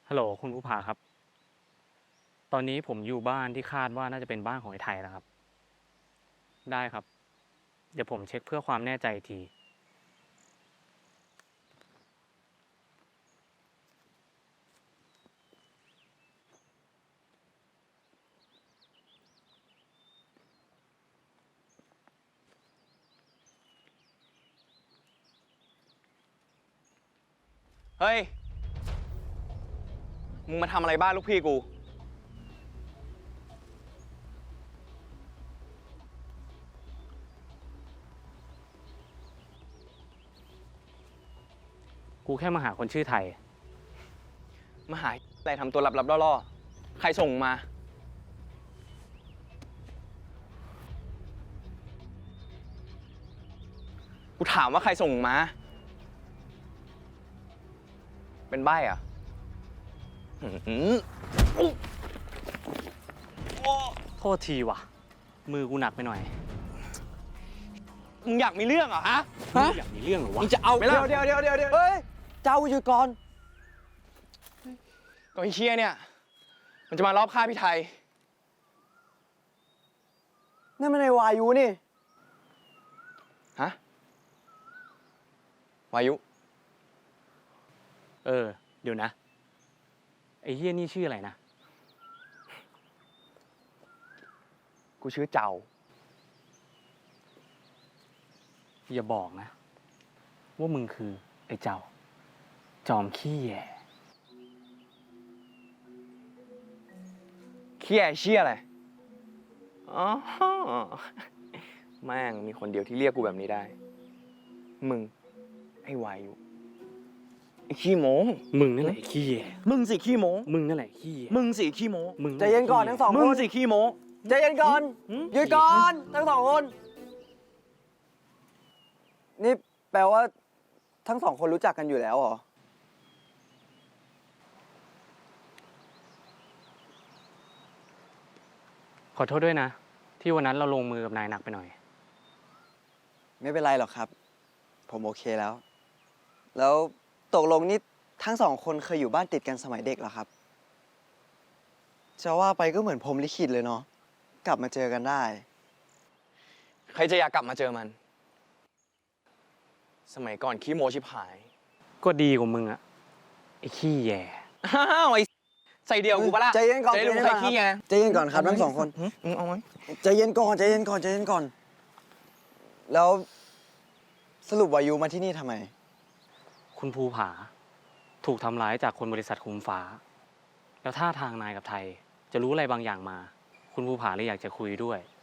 ฮัลโหลคุณผู้ผาครับ ตอนนี้ผมอยู่บ้านที่คาดว่าน่าจะเป็นบ้านของไอ้ไทยแล้วครับ ได้ครับ เดี๋ยวผมเช็คเพื่อความแน่ใจอีกทีเฮ้ย มึงมาทำอะไรบ้านลูกพี่กูกูแค่มาหาคนชื่อไทยมาหาอะไรทำตัวลับๆล่อๆ ใครส่งมา กูถามว่าใครส่งมา เป็นใบ้อะหือโทษทีว่ะ มือกูหนักไปหน่อยมึงอยากมีเรื่องเหรอฮะมึงอยากมีเรื่องเหรอวะมึงจะเอาไหมล่ะเดี๋ยวเฮ้ย เจ้าหยุดก่อนก็ไอ้เชียเนี่ย มันจะมารอบฆ่าพี่ไทยนั่นมันในวายุนี่ฮะ วายุเดี๋ยวนะ ไอ้เฮียนี่ชื่ออะไรนะกูชื่อเจ้าอย่าบอกนะ ว่ามึงคือไอ้เจ้า จอมขี้แย่เคียเชี่ยอะไร อ๋อ แม่งมีคนเดียวที่เรียกกูแบบนี้ได้ มึง ไอ้วายุไอ้ขี้โม้มึงนั่นแหละไอ้ขี้แย่มึงสิขี้โมมึงนั่นแหละขี้แย่มึงสิขี้โมมึงใจเย็นก่อนทั้งสองมึคงนสิขี้โม้ใจเย็นก่อน หยุดก่อนทั้งสองคน นี่แปลว่าทั้งสองคนรู้จักกันอยู่แล้วเหรอขอโทษด้วยนะ ที่วันนั้นเราลงมือกับนายหนักไปหน่อยไม่เป็นไรหรอกครับ ผมโอเคแล้ว แล้วตกลงนี่ทั้งสองคนเคยอยู่บ้านติดกันสมัยเด็กเหรอครับ จะว่าไปก็เหมือนพรหมลิขิตเลยเนาะ กลับมาเจอกันได้ใครจะอยากกลับมาเจอมัน สมัยก่อนขี้โมชิบหายก็ดีกว่ามึงอะไอ้ขี้แย่อ้าวไอ้ใส่เดียวกูปะล่ะใจเย็นก่อนใจดูใครขี้ไงใจเย็นก่อนครับทั้งสองคนเอาไหมใจเย็นก่อนใจเย็นก่อนใจเย็นก่อน แล้วสรุปวายุมาที่นี่ทำไมคุณภูผา ถูกทำร้ายจากคนบริษัทคุมฟ้า แล้วท่าทางนายกับไทย จะรู้อะไรบางอย่างมา คุณภูผาเลยอยากจะคุยด้วย